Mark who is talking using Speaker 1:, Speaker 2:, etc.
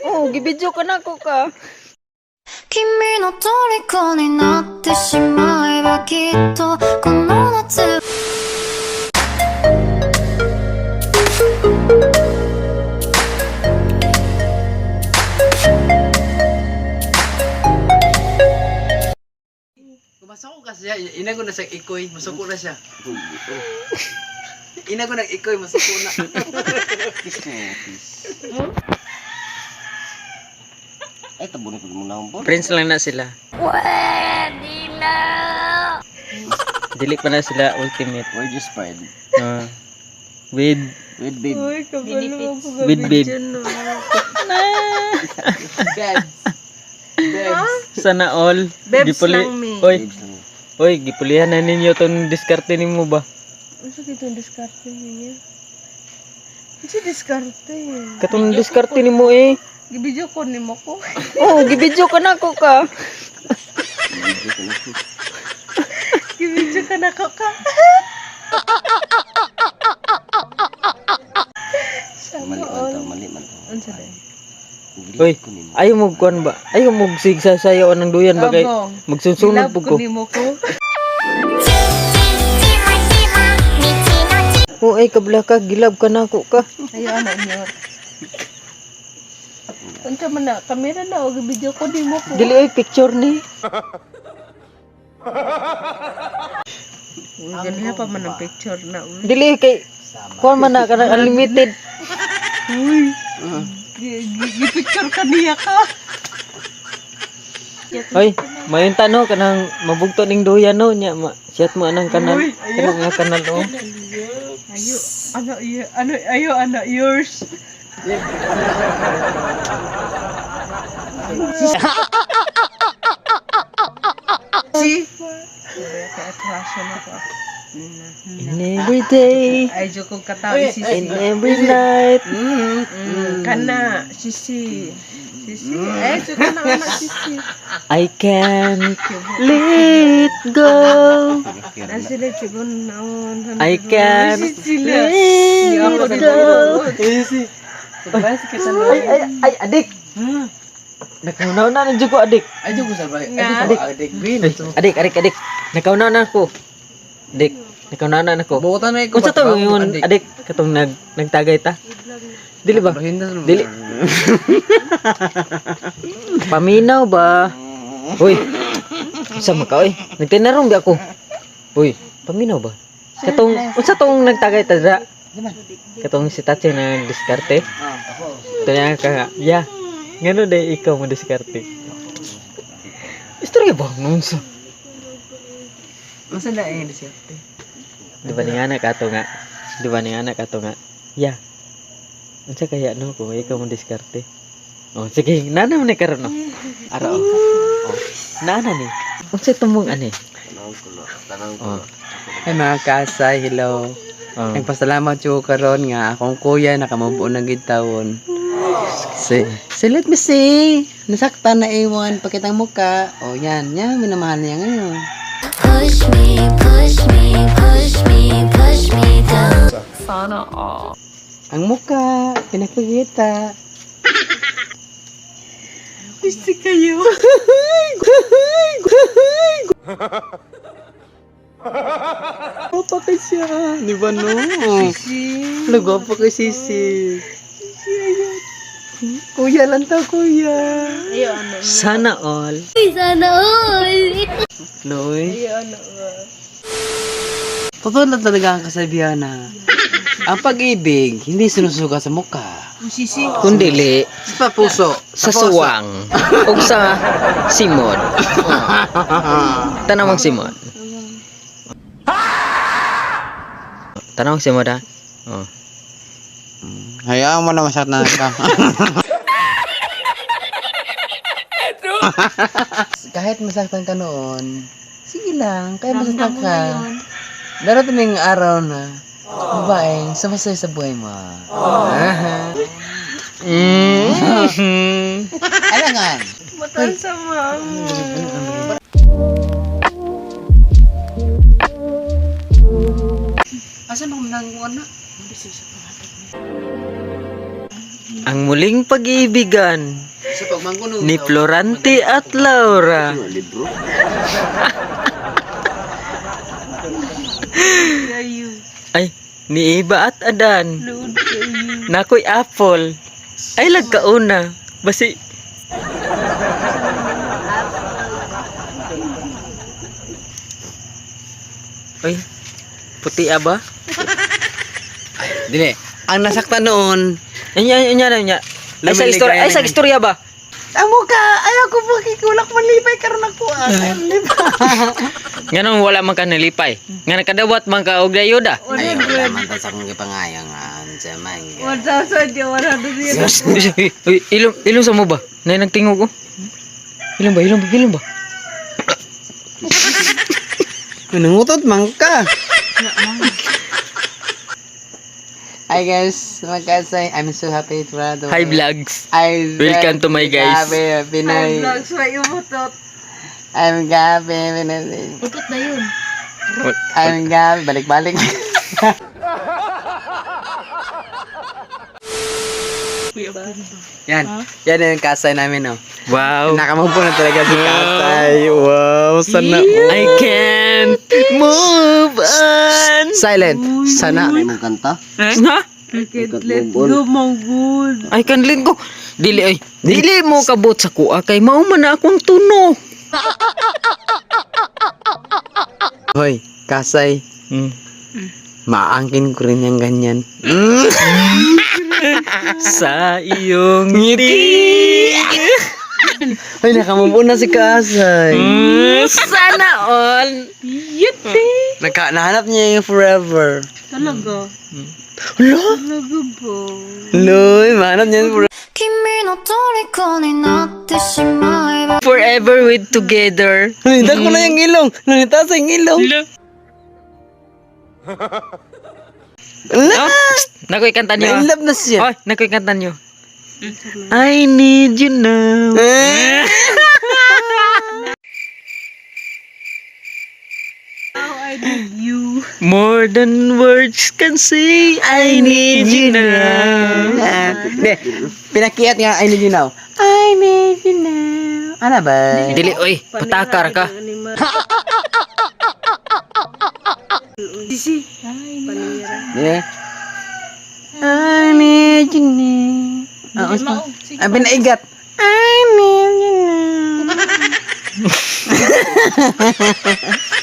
Speaker 1: Oh, gibidyo ka na ko ka.
Speaker 2: 君の虜になってしまえばきっとこの夏
Speaker 3: Masako ka siya, ina ko na sa ikoy, masako na siya. Ina ko na ikoy, masako na.
Speaker 4: Ay, tabunin ko muna ang
Speaker 1: Friends lang na sila.
Speaker 2: Pwede na
Speaker 1: Dili pa na sila ultimate.
Speaker 4: We're just friends.
Speaker 1: With
Speaker 4: Babe.
Speaker 1: with babe.
Speaker 3: Bebs. Bebs.
Speaker 1: Sana all.
Speaker 5: Bebs lang me.
Speaker 1: Oy,
Speaker 4: Babes lang.
Speaker 1: oy, gipulihan na ninyo tong diskarte nimo ba?
Speaker 5: Ano itong diskarte niya? Ano diskarte?
Speaker 1: Katong diskarte nimo eh.
Speaker 5: Gibidyo ko ni mo ko.
Speaker 1: Oh, gibidyo ka na ko ka.
Speaker 5: Gibidyo ka na ko ka.
Speaker 4: Mali man to, mali man to.
Speaker 5: Ano sila?
Speaker 1: Oy, ayaw mo kuan ba? Ayaw mo sigsasayaw ng duyan ba kay
Speaker 5: Abo.
Speaker 1: magsusunod
Speaker 5: Love
Speaker 1: pug
Speaker 5: ko
Speaker 1: ko.
Speaker 5: ni mo ko.
Speaker 1: Oh, ay kabla ka, gilab ka na ko ka.
Speaker 5: Ayo ano niyo. Unsa man na kamera na o gibidyo ko ni mo ko.
Speaker 1: Dili oy picture ni.
Speaker 5: Ganiha pa man ang picture na.
Speaker 1: Dili kay kuan man na kanang unlimited.
Speaker 5: Uy. Gipicture ka niya ka.
Speaker 1: Oy, mayon tano kanang mabugto ning duyan no nya ma. Chat mo anang kanal.
Speaker 5: Uy, ayaw.
Speaker 1: Kanang nga kanal oh.
Speaker 5: Ayo ano yours. Si attraction ako.
Speaker 1: In every day,
Speaker 5: Ay joko kataw si
Speaker 1: in every night.
Speaker 5: kana sisi. Sisi. Eh joko na anak sisi.
Speaker 1: I can't let go.
Speaker 5: Asile joko naon.
Speaker 1: I can't let go. Ay, adik. Nakaunaw na ng ko adik.
Speaker 3: Ayo ko sa balik.
Speaker 5: Nga.
Speaker 3: Adik, adik, green.
Speaker 1: Adik. Nakaunaw na ako. Adik, nakaunaw na ako.
Speaker 3: Bukutan na ikaw.
Speaker 1: Kung sa to yun, adik, katong nagtagay ta. Dili ba? Dili. Paminaw ba? Uy. Sama ka oy. Nagtinarong di ako. Uy, paminaw ba? Katong unsa tong nagtagay ta dra? Katong si Tatsi na diskarte. Kaya ka, ya. Ngano day ikaw mo diskarte? Istorya ba nun sa?
Speaker 3: Masa na eh, disyerte.
Speaker 1: Di ba ni anak ato nga? Di ba ni anak ato nga? Ya. Unsa kaya no kung ikaw mo diskarte? Oh, sige, nana man ni karon no. Ara oh. Nana ni. Unsa tumong ani?
Speaker 4: Tanong ko.
Speaker 1: Oh.
Speaker 3: Ay mga kasay, hello.
Speaker 1: Oh.
Speaker 3: Nagpasalamat ko karon nga akong kuya nakamubo na gid taon. So let me see. Nasaktan na iwan pakitang muka. Oh yan, yan minamahal niya ngayon.
Speaker 2: Push me, push me, push me, push me down
Speaker 5: Sana all.
Speaker 3: Ang muka, pinakikita.
Speaker 5: Gusto kayo.
Speaker 3: Guwapa ka siya. Di ba no?
Speaker 5: Si.
Speaker 3: Guwapa ka sisi. Kuya lang to, kuya.
Speaker 5: Ayo ano.
Speaker 1: Sana all.
Speaker 2: Sana all
Speaker 3: Loy.
Speaker 5: Ayo ano.
Speaker 3: Totoo na talaga ang kasabihan na ang pag-ibig hindi sinusuga sa mukha.
Speaker 5: Sisi.
Speaker 1: Kundili
Speaker 3: Sa puso.
Speaker 1: sa suwang ug sa simod. Tanawang simod. Tanawang simod ha. Oh.
Speaker 3: Hayaan mo na masyat na ka. Kahit masaktan ka noon, sige lang, kaya masaktan ka. Darating yung araw na, babaeng sumasaya sa buhay mo. Alangan!
Speaker 5: Matan sa mama.
Speaker 3: Asan ako nang ano?
Speaker 1: Ang muling pag-iibigan
Speaker 3: Sa pagmangkuno.
Speaker 1: ni Florante at Laura.
Speaker 4: Libro.
Speaker 5: Kayo.
Speaker 1: Ay, ni Iba at Adan.
Speaker 5: Load kayo.
Speaker 1: Nakoy apple. Ay, lagkauna. Basi. Ay, puti ba?
Speaker 3: Dili. Ang nasaktan noon,
Speaker 1: Anya. Ay, sa istorya, ay, sa istorya ba?
Speaker 3: amo ka, ayaw ko makikulak manlipay karon ako.
Speaker 1: Ganun wala man ka nalipay. Nga nakadawat man ka og dayoda.
Speaker 3: Ayaw wala man ta sa akong gipangayangan sa mangga.
Speaker 5: 1,000 yung 100
Speaker 1: Uy, ilong sa mo ba? Nay nagtingog ko. Ilong ba?
Speaker 3: Nangutot man ka. Hi guys, magkasay. I'm so happy to rado.
Speaker 1: Hi vlogs.
Speaker 3: Welcome
Speaker 1: to my guys.
Speaker 3: Pinay.
Speaker 5: vlogs may umutot.
Speaker 3: I'm Gabi, Pinay.
Speaker 5: Utot na yun.
Speaker 3: I'm Gabi, balik-balik. Yan yung kasay namin, oh.
Speaker 1: Wow.
Speaker 3: Nakamagpo na talaga si kasay. Wow, sana.
Speaker 1: I can't move on.
Speaker 3: Silent. Sana.
Speaker 4: Ano mong kanta?
Speaker 1: Ha?
Speaker 5: Let's go, Mongol.
Speaker 1: Ay kanlin ko. Dili mo kabot sa kuha kay mao man na akong tuno.
Speaker 3: Hoy, kasay.
Speaker 1: Hmm.
Speaker 3: Maangkin ko rin yung ganyan.
Speaker 1: Sa iyong ngiti.
Speaker 3: Hoy, nakamove on na si kasay.
Speaker 1: Sana all.
Speaker 3: Nahanap niya yung forever.
Speaker 5: Talaga.
Speaker 3: Hala?
Speaker 5: Talaga ba?
Speaker 3: Loy, mahanap niya yung forever.
Speaker 2: 君の虜になってしまえば
Speaker 1: Forever with together.
Speaker 3: Nanita ko na yung ilong. Nanita sa yung ilong.
Speaker 1: Oh, nakoy kanta niyo.
Speaker 3: Na-in love na siya.
Speaker 1: Oy, nakoy kanta niyo. I need you now.
Speaker 5: I need you.
Speaker 1: More than words can say, I need you now.
Speaker 3: Hindi, pinakiat nga, I need you now. I need you now. Ano ba?
Speaker 1: Dili, oy, patakar ka.
Speaker 5: Sisi. Panira.
Speaker 3: Yeah. I need you now. Ang pinaigat. I need you now.